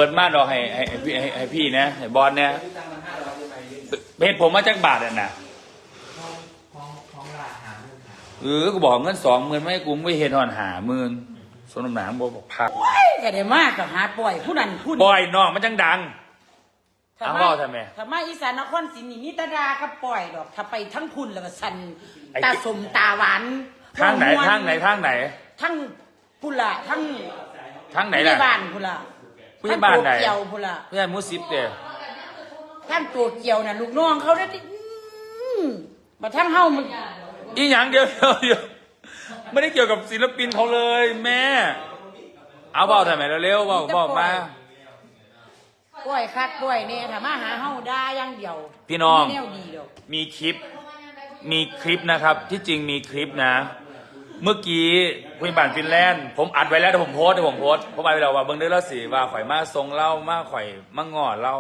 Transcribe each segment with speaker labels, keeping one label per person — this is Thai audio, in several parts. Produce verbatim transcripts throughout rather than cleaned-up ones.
Speaker 1: ดมาดอกให้ให้ให้พี่ให้ให้พี่นะให้บอลเนี่ยเพชรผมมาจากบาทอ่ะนะเออกูบอกเงินสองหมื่นไม่กูไม่เห็นหอนหาหมื่นสนมหนังบอกบอกพัก
Speaker 2: ก็ได้มากกับหาปล่อยผู้นั้นผู้นี้
Speaker 1: ปล่อยน้องมันจังดังเอาเล่าทำไม
Speaker 2: ทำไมอีสานนครศรีนี่มีตาดากับปล่อยดอกถ้าไปทั้งคุณแล้วก็สันตาสมตาหวาน
Speaker 1: ทางไหนทางไหนทางไหน
Speaker 2: ทั้งพุละทั้ง
Speaker 1: ทางไหนล่ะ
Speaker 2: บ้านพุละ
Speaker 1: ผู้ใหญ่บ้านไหน
Speaker 2: เกี่ยวพุละ
Speaker 1: ผู้ใหญ่มุสิบเด้อ
Speaker 2: ทั้งตัวเกี่ยวน่ะลูกน้องเขาได้มาทั้งเฮ้ามัน
Speaker 1: อีหยังเดียวเดียวไม่ได้เกี่ยวกับศิลปินเขาเลยแม่เอาเบาทำไมเร็วๆเบาเบามา
Speaker 2: ป่วยคัดป่วยเนี่ยถ้ามาหาเฮ้าได้ยังเดียว
Speaker 1: พี่น้อง
Speaker 2: มี
Speaker 1: คลิปมีคลิปนะครับที่จริงมีคลิปนะเมื่อกี้คุยบ้านฟินแลนด์ผมอัดไว้แล้วแต่ผมโพสแต่ผมโพสผมไปแล้วว่าเบิ้งได้แล้วสิว่าข่อยมาทรงเล่ามาข่อยมางอดเล่า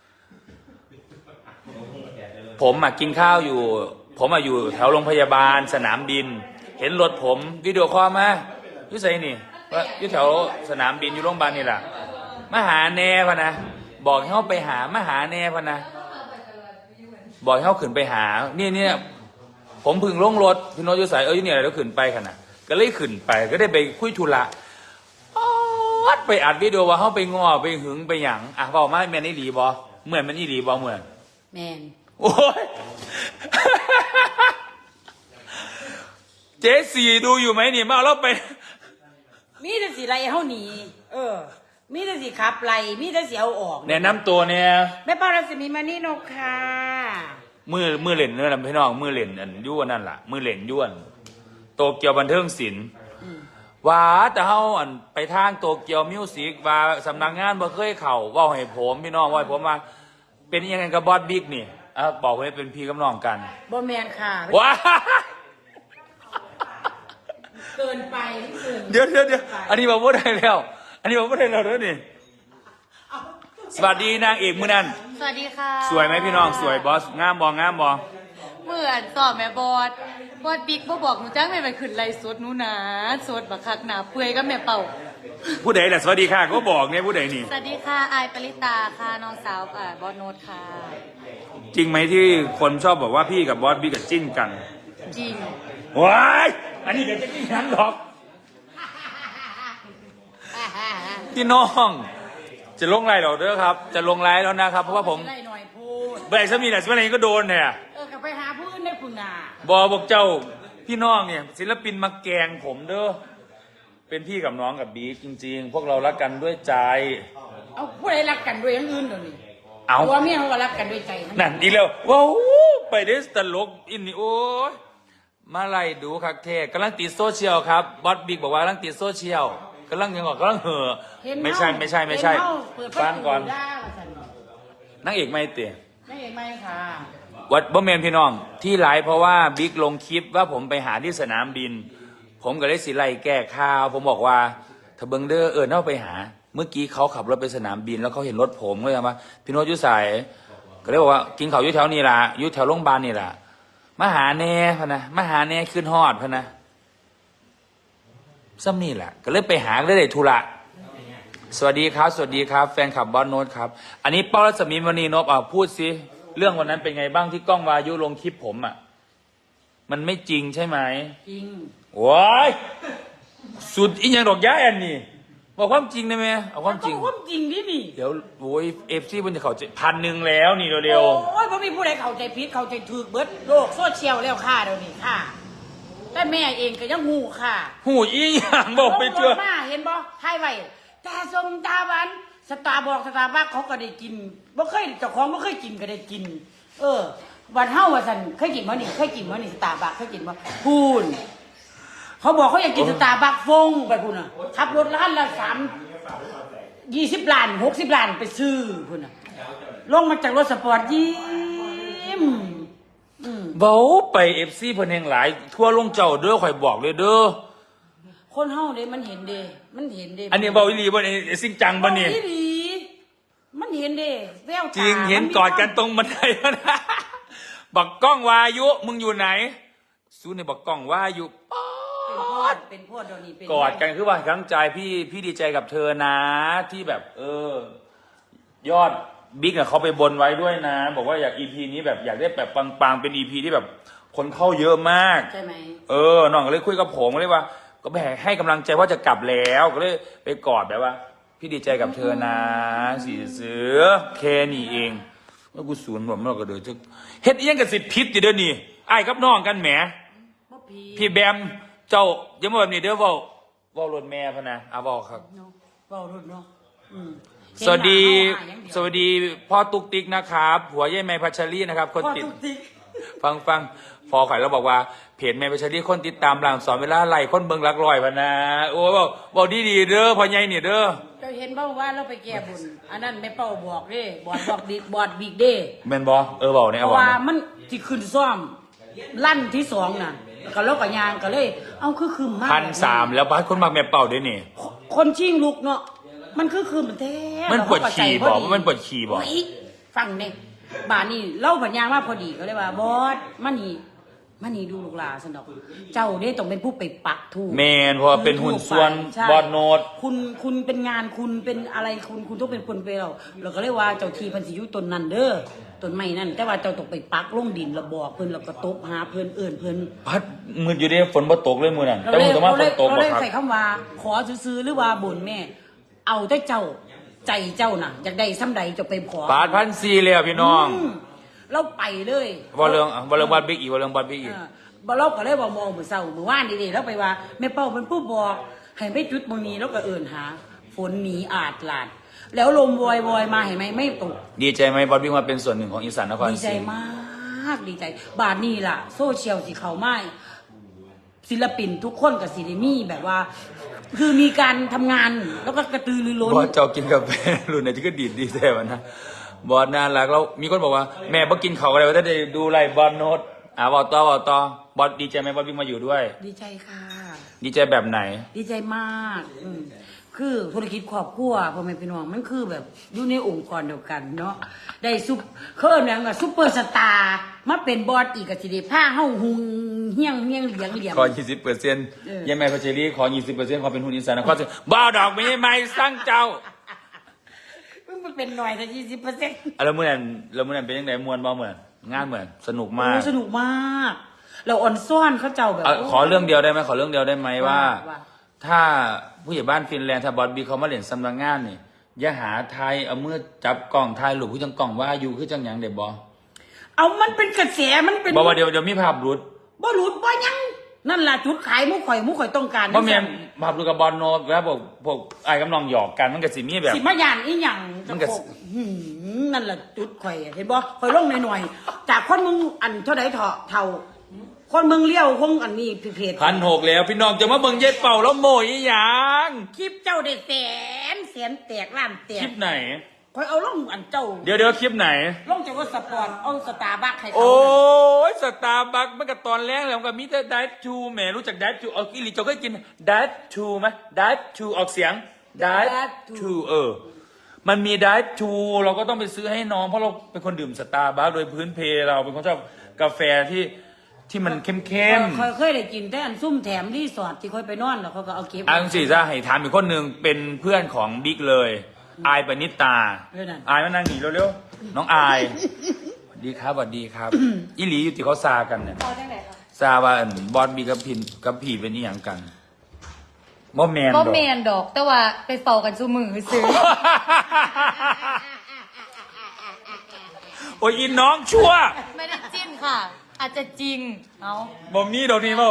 Speaker 1: ผมมากินข้าวอยู่ผมมาอยู่แถวโรงพยาบาลสนามบินเห็นรถผมวิดีโอคอลมาอยู่ไสนี่ว่าอยู่แถวสนามบินอยู่โรงพยาบาลนี่แหละมาหาแน่พะนะบอกให้เขาไปหามาหาแน่พะนะบอกให้เขาขึ้นไปหานี่เนี่ยผมพึ่งลงรถพี่โน้ตอยู่ใส่เอ้ยเนี่ยอะไรแล้วขึ้นไปขนาดก็เลยขึ้นไปก็ได้ไปคุยธุระอัดไปอัดวิดีโอว่าเขาไปง้อไปหึงไปหยังอ่ะบอกมาแมนนี่ดีบอเหมือนมันนี่ดีบอเหมือน
Speaker 2: แมน
Speaker 1: โอ้ยเจสี่ดูอยู่ไหมนี่มาเราไป
Speaker 2: มีแต่สีไรเฮาหนีเออมีแต่สีขับไรมีแต่สีเอาออก
Speaker 1: แนะนำตัวเนี่ย
Speaker 2: แม่ป้ารัศมีมานี่นกค่ะ
Speaker 1: มือมือเล่นเนื้อลำพี่น้องมือเล่นอันย้วนนั่นแหละมือเล่นย้วนโตเกียวบันเทิงศิลป์ว่าแต่เฮาอันไปทางโตเกียวมิวสิกว่าสำนักงานบ่เคยเข่าว่าให้ผมพี่น้องว่าให้ผมมาเป็นยังไงกับบอสบิ๊กนี่อ่ะบอกให้เป็นพี่กับน้องกัน
Speaker 2: บ่แมนค่ะ
Speaker 1: ว้า
Speaker 2: เกินไป
Speaker 1: เดี๋ยวเดี๋ยวเดี๋ยวอันนี้บอกว่าได้แล้วอันนี้บอกว่าได้แล้วเด้อนี่สวัสดีนางเอกมือนั่น
Speaker 3: สวัสดีค่ะ
Speaker 1: สวยไหมพี่น้องสวยบอสงามบองงามบอ
Speaker 3: เหมือนสอบแม่บอสบอสบิ๊กบ่บอกหนูจ้างแม่ไปขึ้นไล่สดหนูนะสดบักคักหนาเปื่อยก็แม่เป่า
Speaker 1: ผู้ใดแหละสวัสดีค่ะก็บอกเนี่ยผู้ใดนี่
Speaker 3: สวัสดีค่ะอายปริตาค่ะน้องสาวอ่าบอสโนตค่ะ
Speaker 1: จริงไหมที่คนชอบบอกว่าพี่กับบอสบิ๊กกับจิ้นกัน
Speaker 3: จริง
Speaker 1: ว้ายอันนี้เดี๋ยวจะจิ้นกันหรอกพี่น้องจะลงไลน์หรอเด้อครับจะลงไลน์แล้วนะครับเพราะว่าผม
Speaker 2: ไล่หน่อยพูด
Speaker 1: เบรกซะมีแต่สมัยนี้ก็โดนเนี่ย
Speaker 2: เออกลับไปหาพื้นได้คุณนา
Speaker 1: บอบอกเจ้าพี่น้องเนี่ยศิลปินมาแกงผมเด้อเป็นพี่กับน้องกับบีจริงๆพวกเรารักกันด้วยใจ
Speaker 2: เอาผู้ใดรักกันด้วยอย่างอื่นเดี๋ยวนี้
Speaker 1: เอา
Speaker 2: ตัวเมียเขาก็รักกันด้วยใจ
Speaker 1: นั่นอีแล้วว้าวไปเดสตลกอินนี่โอ้ยมาไล่ดูคักเทกกำลังติดโซเชียลครับบอสบิ๊กบอกว่ากำลังติดโซเชียลกำลังยังบอกกำลังเห่อไม่ใช่ไม่ใช่ไม่ใช่ฟังก่อนนักเอกไม่เตะ
Speaker 2: นักเอกไม่ค่ะ
Speaker 1: วัดบ่เมนพี่น้องที่ไลฟ์เพราะว่าบิ๊กลงคลิปว่าผมไปหาที่สนามบินผมก็เลยสิไล่แก้ข่าวผมบอกว่าถ้าเบิงเดอร์เออเน่าไปหาเมื่อกี้เขาขับรถไปสนามบินแล้วเขาเห็นรถผมก็เลยว่าพี่โน้ตยุสายก็เลยบอกว่ากินเขาอยู่แถวนี้ล่ะอยู่แถวโรงพยาบาลนี่ล่ะมาหาแน่พะนะมาหาแน่ขึ้นฮอดพะนะซ้ำนี่แหละก็เลยไปหาเลยได้ธุระสวัสดีครับสวัสดีครับแฟนคลับบอสโน้ตครับอันนี้ป้ารัศมีมณีนพอ่ะพูดสิเรื่องวันนั้นเป็นไงบ้างที่กล้องวายุลงคลิปผมอ่ะมันไม่จริงใช่ไหม
Speaker 2: จริง
Speaker 1: ว้ายสุดอีกอย่างดอกย้ายอันนี้บอกความจริงได้ไหมเอาความจริง
Speaker 2: ความจริงดินี่
Speaker 1: เดี๋ยวโอ้ยเอฟซีมันจะเข้าใจพันหนึ่งแล้วนี่เร็ว
Speaker 2: ๆโอ้ยเพราะมีผู้ใดเข้าใจผิดเข้าใจถูกเบิดโลกโซเชียลแล้วค่ะเดี๋ยวนี้ค่ะแต่แม่เองก็ยังหูค่ะ
Speaker 1: หูอีอย่างบอกไปเชื่อ
Speaker 2: มาเห็นบ่ให้ไว้ตาสมตาหวานสตาร์บอกสตาร์บัคเขาก็ได้กินบ่เคยเจ้าของบ่เคยกินก็ได้กินเออวันเฮาว่าซั่นเคยกินบ่นี่เคยกินบ่นี่สตาร์บัคเคยกินบ่พูนเขาบอกเขาอยากกินสตาร์บัคฟงไปพูนน่ะขับรถล้านละสาม ยี่สิบล้านหกสิบล้านไปซื้อพูนน่ะลงมาจากรถสปอร์ตยิ้ม
Speaker 1: เบาไปเอฟซีเพิ่นแห่งหลายทั่วลงเจ้าเด้อข่อยบอกเลยเด้อ
Speaker 2: คนเฮาเด้มันเห็นเด้มันเห็นเด้
Speaker 1: อันนี้เบาอีหลีบ่นี่สิ่งจังบ่นี่
Speaker 2: อีหลีมันเห็นเด้แววตา
Speaker 1: จริงเห็นกอดกันตรงบันไดนะบักกล้องวายุมึงอยู่ไหนสู้ในบักกล้องวายุป๊อด
Speaker 2: เป็นพวดเดี๋ยวนี้เป็น
Speaker 1: กอดกันคือว่าทั้งใจพี่พี่ดีใจกับเธอนะที่แบบเออยอดบิ๊กอะเขาไปบนไว้ด้วยนะ บอกว่าอยากอีพีนี้แบบอยากได้แบบปังๆเป็นอีพีที่แบบคนเข้าเยอะมาก
Speaker 2: ใช่ไหม
Speaker 1: เออน้องก็เลยคุยกับผมก็เลยว่า ก็ไปให้กำลังใจว่าจะกลับแล้วก็เลยไปกอดแบบว่า พี่ดีใจกับเธอนะสีเสือแค่นี้เองแล้วกูสูนผมเราก็เดือดจะเฮ็ดเอียงกับสิทธิ์พิษอยู่เด้อนี่ไอ้ายกับน้องกันแหม
Speaker 2: บ่พี
Speaker 1: พี่แบมเจ้าอย่ามาแบบนี้เด้อเว้าเว้ารถแม่พะนะอ่ะเว้าครับ
Speaker 2: เนาะเว้ารุ่นเนาะอืม
Speaker 1: สวัสดี
Speaker 2: เห็นหน้าเฮาหาอย่างเดียว
Speaker 1: สวัสดีพ่อตุ๊กติ๊กนะครับหัวยายแม่พัชรีนะครับ คน
Speaker 2: พ่อ
Speaker 1: ติด
Speaker 2: ตุ๊กติ๊ก
Speaker 1: ฟังฟังพอข่อยเราบอกว่าเพจแม่พัชรีคนติดตามหลังสอนเวลาไล่คนเบิงรักลอยพะนะโอ้บอกบอกดีดีๆเด้อพ่อใหญ่เนี่ยเด้อ
Speaker 2: เจ้าเห็นบ่ว่าเราไปแก้บุญอันนั้นแม่เป้าบอกเด้บอดบอกดิบอดบิกเด้
Speaker 1: แม่นบอเออบอกเนี่ย
Speaker 2: เพ
Speaker 1: เอา
Speaker 2: ราะ
Speaker 1: บอก
Speaker 2: ว่า
Speaker 1: เนี่ย
Speaker 2: มันที่ขึ้นซ่อมลั่นที่สองน่ะก็แล้วก็ยางก็เลย เอาคือคืมมาก
Speaker 1: พันสามแล้วบ้านคนมักแม่เป่าด้วยนี่
Speaker 2: คนชิงลุกเนาะมันคือคืมมันแท้
Speaker 1: มันปวดขี่บอกว่ามันปวดขี่บอก
Speaker 2: โยฟังเนี่ยบานนี่เล่าปัญญางว่าพอดีก็เลยว่าบอสมานี่มานี่ดูลูกหลาสนอกเจ้าเนี่ยต้องเป็นผู้ไปปักถูก
Speaker 1: แมนเพราะว่าเป็นหุ่นส่วน
Speaker 2: ใช่
Speaker 1: บอดโนด
Speaker 2: คุณคุณเป็นงานคุณเป็นอะไรคุณคุณต้องเป็นคนไปเราเราก็เลยว่าเจ้าทีพันสิอยุตนนั่นเด้อต้นไม้นั่นแต่ว่าเจ้าต้องไปปักลงดินระบอกเพิ่นแล้วก็ตบหาเพิ่นเอิ่นเพิ่น
Speaker 1: พัดมืดอยู่เด้ฝนบ่ตกเลยมือนั่น
Speaker 2: เรา
Speaker 1: แต่
Speaker 2: เล
Speaker 1: มื
Speaker 2: ย
Speaker 1: อต้องมา
Speaker 2: เรา
Speaker 1: ฝ
Speaker 2: เลย
Speaker 1: นตก
Speaker 2: เรา
Speaker 1: บ่
Speaker 2: เลย
Speaker 1: ครับ
Speaker 2: ใส่คำว่าขอซื้อๆหรือว่าบ่นแม่ เอาแต่เจ้าใจเจ้าน่ะอยากได้ซ้ำใดจะไปขอ
Speaker 1: ปาดพันสี่เลยอะพี่น้อง
Speaker 2: มเราไปเลย
Speaker 1: ว่าเรื่องว่าเรื่องบอดบิ๊กอีกว่าเรื่องบอดบิ๊กอีก
Speaker 2: เออบ่เราก็เลยว่ามองมื้อเช้ามื้อวานดีๆแล้วไปว่าแม่เป้าเป็นผู้บอกให้ไปจุดบางนี้แล้วก็เอิ้นหา ฝนหนีอาดลาด แล้วลมวอยวอยมาเห็นไหมไม่ตก
Speaker 1: ดีใจไหมบอดบิ๊กมาเป็นส่วนหนึ่งของอีสานนคร
Speaker 2: ดี
Speaker 1: ศ
Speaker 2: ใจ
Speaker 1: รี
Speaker 2: มากดีใจ บาทนี้ล่ะ โซเชียลสิเขาไม่ศิลปินทุกคนกับศิลมีแบบว่า คือมีการทำงานแล้วก็กระตือรือร้น
Speaker 1: บอดเจ้ากินกาแฟรุ่นไหนที่ก็ดีดดีแต่วันนะบอดน่ารักแล้วมีคนบอกว่าแม่บ่กินเขาวอะไรวะถ้าได้ดูไลฟ์บอดโนดอ่าบอกต่อบอกต่อบอดดีใจไหมบอดบิ๊กมาอยู่ด้วย
Speaker 2: ดีใจค่ะ
Speaker 1: ดีใจแบบไหน
Speaker 2: ดีใจมากอืมคือธุรกิจครอบครัวพ่อแม่พี่น้องมันคือแบบอยู่ในองค์กรเดียวกันเนาะได้ซุปเคลื่อนอย่างกับซุปเปอร์สตาร์มาเป็นบอสอีกกับสิเดผ้าเฮาหุงเฮี้ยงเฮี้ยงเหลียงเหลียง
Speaker 1: ขอ ยี่สิบเปอร์เซ็นต์
Speaker 2: เออ
Speaker 1: ยังไงพัชรีขอ ยี่สิบเปอร์เซ็นต์ขอเป็นหุ้นอีสานนครศรีบ้าดอกไม่ไม่สร้างเจ้า
Speaker 2: มันเป็นหน่อยแต่ยี่สิบเปอร์เซ็นต์
Speaker 1: อะแล้วมื่อนั้นแล้วมื่อนั้นเป็นยังไงมวนบ่เหมือนงานเหมือนสนุกมาก
Speaker 2: สนุกมาก เราอ่อนซ่อนเขาเจ้าแบบ
Speaker 1: เอาขอเรื่องเดียวได้ไหมขอเรื่องเดียวได้ไหมว่า
Speaker 2: ว่า
Speaker 1: ถ้าผู้ใหญ่บ้านฟินแลนด์ถ้าบอสบีเขามาเล่นสำนักงานนี่อย่าหาไทยเอามือจับกล่องไทยหรือผู้จังกล่องว่าอยู่คือจังหยังเด็บอ
Speaker 2: เอามันเป็นกระแสมันเป็น
Speaker 1: บอกว่าเดี๋ยวเดี๋ยวมีภาพหลุด
Speaker 2: บ่หลุดบ่ยังนั่นล่ะจุดขายหมุข่อยหมุข่อยต้องการ
Speaker 1: เพราะแม่นภาพหลุดกับบอลโนดแล้วพวกพวกไอ้กำนองหยอกกันมันก็สิมีแบบ
Speaker 2: สิมาย่านอีหยัง
Speaker 1: มันก็
Speaker 2: จะบอกหืมนั่นล่ะจุดข่อยเห็นบ่ข่อยลงหน่อยๆจากคนมึงอันเท่าใดเถาะเท่าคนมึงเลี้ยวคงอันนี้เพจ
Speaker 1: พันหกแล้วพี่น้องจะมาเบิ่งเย็ดเป่าแล้วโมยอีหยัง
Speaker 2: คลิปเจ้าได้แสนแสนแตกล้านแต
Speaker 1: คลิ
Speaker 2: ก
Speaker 1: ปไหน
Speaker 2: ข่อยเอาลงอันเจ้า
Speaker 1: เดี๋ยวเดี๋ยวคลิปไหน
Speaker 2: ลงจากว่าสปอร์ตเอาสตาร์บัคให้เขา
Speaker 1: โอ้ยสตาร์บัคมันก็ตอนแรกแล้วมันก็มีแต่ดัตชูแหมรู้จักดัตชูเอาอีหลีเจ้าเคยกินดัตชูไหมดัตชูออกเสียงดัตชูเออ มันมีดัตชูเราก็ต้องไปซื้อให้น้องเพราะเราเป็นคนดื่มสตาร์บัคโดยพื้นเพเราเป็นคนชอบกาแฟที่ที่มันเข้มเข้ม
Speaker 2: เคยเคยได้กินแต่อันซุ่มแถมรีสอร์ทที่ค่อยไปนอนแล้วเขาก็เอาเก็บ
Speaker 1: อังสิจะให้ถามอีกคนหนึ่งเป็นเพื่อนของบิ๊กเลยอายปณิตา
Speaker 2: เออนั่น
Speaker 1: อายมานั่งหนีเร็วๆน้องอายสวัสดีครับสวัสดีครับอีหลีอยู่ที่เขาซากันเนี่ย
Speaker 3: เอาจังไหนคะ
Speaker 1: ซาว่าอั่นบอลบีกับพินกับผีเป็นอีหยังกันบ่แมนด
Speaker 3: บ่
Speaker 1: อก
Speaker 3: แมนดอกแต่ว่าไปเฝ้ากันซุมือซื้อ
Speaker 1: โอ้ยอินน้องชั่ว
Speaker 3: ไม่ได้จิ้นค่ะ อาจจะจริงเอา
Speaker 1: บ่มีดอกนี้บ่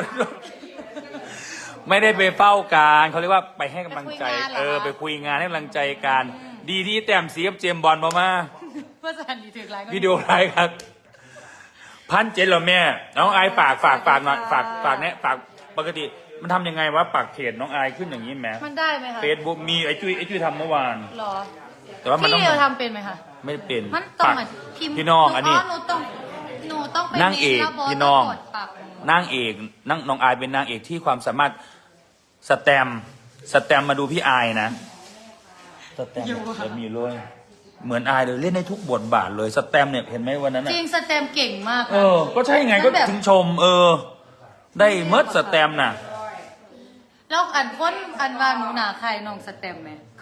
Speaker 1: ไม่ได้ไปเฝ้าการเขาเรียกว่าไปให้กำลังใจ เออ ไปคุยงานให้กำลังใจกันดีที่แต้มสีกับเจมส์บอลมามา
Speaker 3: เพื่อสันดีถึงไรก็
Speaker 1: วิดีโอไลฟ์ครับ พันเจ็ดเหรอแม่ น้องอายฝากฝากฝากหน่อยฝากฝากเนี่ยฝากปกติมันทำยังไงวะปากเพจน้องอายขึ้นอย่างนี้แหม
Speaker 3: มันได้ไหมคะ
Speaker 1: เฟซบุ๊กมีไอจุ้ยไอจุ้ยทำเมื่อวาน
Speaker 3: หรอ
Speaker 1: แต่ว่ามันต้อง
Speaker 3: พี่เดียวทำเป็นไหมคะ
Speaker 1: ไม่ได้เป็น
Speaker 3: มันต้อง
Speaker 1: ปาก
Speaker 3: เหมือนพิมพ์
Speaker 1: พี่น้องอันนี้
Speaker 3: หนูต้องหนูต้องไป
Speaker 1: นางเอก
Speaker 3: แล้วบส
Speaker 1: พี่น้อง
Speaker 3: กดปรับ
Speaker 1: นางเอกนางน้องอายเป็นนางเอกที่ความสามารถสแตมป์สแตมป์มาดูพี่อายนะสแตมป์จะมีเลยเหมือนอายเลยเล่นในทุกบทบาทเลยสแตมป์เนี่ยเห็นไหมวันนั้น
Speaker 3: จ
Speaker 1: น่ะ
Speaker 3: ริงสแตมเก่งมาก
Speaker 1: เออ ก็ใช่ไงก็ถึงชม เออ ได้เมิดสแตมป์น่ะ
Speaker 3: แล้วอันพ้นอันว่าหนูหนาใครน้องสแตมไหม
Speaker 2: เค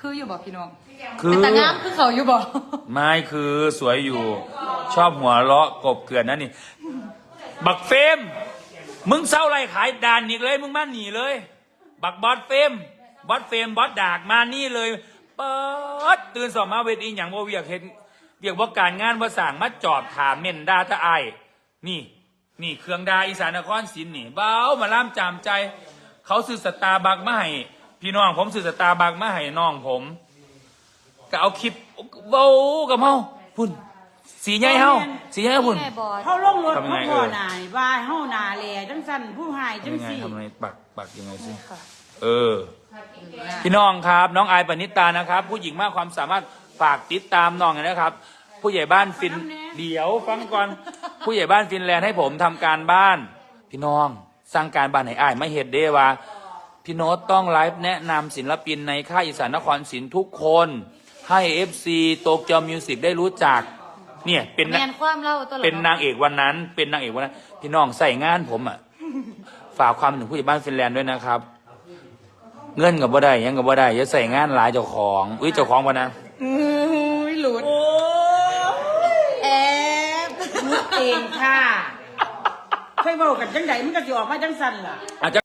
Speaker 3: คืออยู่บอกพี่น้อง
Speaker 1: คือ
Speaker 3: เป็นตางามคือเขาอยู่บอก
Speaker 1: ไม่คือสวยอยู่ ชอบหัวเราะกบเกลื่อนนั่นนี่ บักเฟมมึงเศร้าไรขายด่านอีกเลย มึงมาหนีเลย บักบอสเฟมบอสเฟมบอสดากมานี่เลยเปิดตื่นสอบมาเวทีอย่างว่าเวียกเห็นเวียกว่าการงานว่าสั่งมาจอบถามเม่นดาตะไอายนี่ นี่เครื่องดาอีสานนครศรีนี่เบ้ามาล่ามจามใจ เขาซื้อสตาร์บัคมาให้พี่น้องผมซื้อสตาร์บัคมาให้น้องผมก็เอาคลิปเบ้ากับเฮาพุ่นสีใหญ่เฮาสีใหญ่พุ่น
Speaker 3: ไงบอส
Speaker 2: เขาลงรถ
Speaker 1: ทำยัง
Speaker 2: เขา
Speaker 1: ไง
Speaker 2: พ่อ
Speaker 1: เออ
Speaker 2: นายว่าเฮานาแลจังสั่นผู้หายจัง
Speaker 1: ยังไง
Speaker 2: สี่
Speaker 1: ทำไงปักปักยังไงสิ
Speaker 3: ค่ะ
Speaker 1: เออ พี่น้องครับน้องอายปณิตานะครับ ผู้หญิงมากความสามารถฝากติดตามน้องนะครับ ผู้ใหญ่บ้านฟินเดี๋ยวฟังก่อนผู้ใหญ่บ้านฟินแลนด์ให้ผมทำการบ้าน พี่น้องสร้างการบ้านให้อายไม่เห็ดเด้ว่า พี่โน้ตต้องไลฟ์แนะนำศิลปินในค่ายอีสานนครศรีทุกคน ให้ เอฟ ซี โตเกียวมิวสิกได้รู้จัก เนี่ยเป็น
Speaker 3: แมนความเล่าตัวหรอ
Speaker 1: เป็นนางเอกวันนั้น เป็นนางเอกวันนั้น พี่น้องใส่งานผมอ่ะ ฝากความถึงผู้ใหญ่บ้านฟินแลนด์ด้วยนะครับ เงินกับบ่ได้หยังกับบ่ได้อย่าใส่งานหลายเจ้าของอุ้ยเจ้าของวะนะ
Speaker 3: อุ้ยหลุดแอบ
Speaker 2: มุดเองค่ะเคยบอกกันจังใดมันก็สิออกมาจังสั่นล่ะ
Speaker 1: อาจจะ